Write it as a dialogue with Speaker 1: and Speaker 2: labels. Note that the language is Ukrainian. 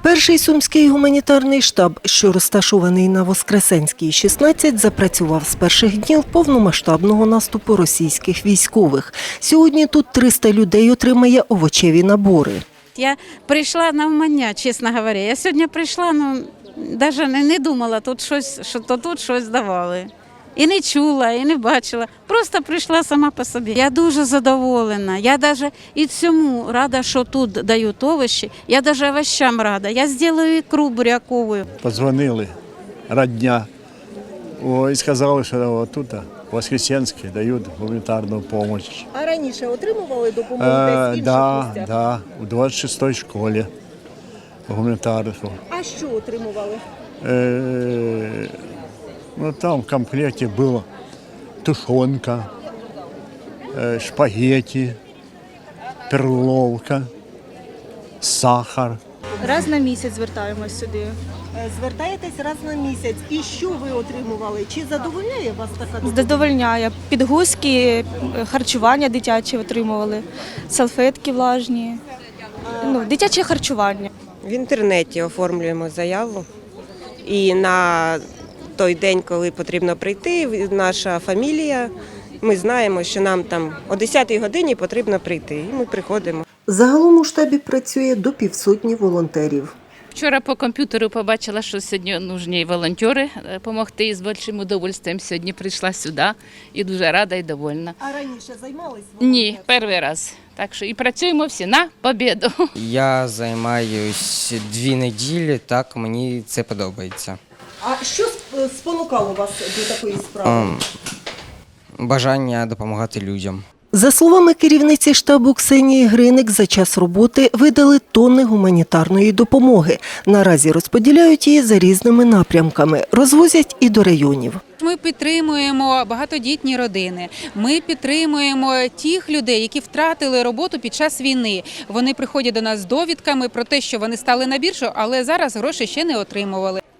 Speaker 1: Перший сумський гуманітарний штаб, що розташований на Воскресенській, 16, запрацював з перших днів повномасштабного наступу російських військових. Сьогодні тут 300 людей отримає овочеві набори.
Speaker 2: Я прийшла навмання, чесно говоря. Я сьогодні прийшла, навіть не думала, що тут щось давали. І не чула, і не бачила. Просто прийшла сама по собі. Я дуже задоволена. Я навіть і цьому рада, що тут дають овочі. Я навіть овощам рада. Я зроблю ікру бурякову.
Speaker 3: Подзвонили родня і сказали, що тут в Воскресенській дають гуманітарну допомогу.
Speaker 1: А раніше отримували допомогу десь в інших місцях?
Speaker 3: Так, у 26-й школі гуманітарну.
Speaker 1: А що отримували?
Speaker 3: Там в комплекте была тушенка, шпагетти, перловка, сахар.
Speaker 4: Раз на місяць звертаємось сюди.
Speaker 1: Звертаєтесь раз на місяць. І що ви отримували? Чи задовольняє вас така допомога?
Speaker 4: Задовольняє. Підгузки, харчування дитяче отримували, салфетки влажні, дитяче харчування.
Speaker 5: В інтернеті оформлюємо заяву і на той день, коли потрібно прийти, наша фамілія, ми знаємо, що нам там о 10-й годині потрібно прийти, і ми приходимо.
Speaker 1: Загалом у штабі працює до 500 волонтерів.
Speaker 6: Вчора по комп'ютеру побачила, що сьогодні нужні волонтери допомогти, і з великим удовольствием сьогодні прийшла сюди і дуже рада і довольна.
Speaker 1: А раніше займались?
Speaker 6: Ні, перший раз. Так що і працюємо всі на побєду.
Speaker 7: Я займаюсь 2 неділі, так мені це подобається.
Speaker 1: А що спонукало вас до такої справи?
Speaker 7: Бажання допомагати людям.
Speaker 1: За словами керівниці штабу Ксенії Гриник, за час роботи видали тонни гуманітарної допомоги. Наразі розподіляють її за різними напрямками. Розвозять і до районів.
Speaker 8: Ми підтримуємо багатодітні родини, ми підтримуємо тих людей, які втратили роботу під час війни. Вони приходять до нас з довідками про те, що вони стали на біржу, але зараз гроші ще не отримували.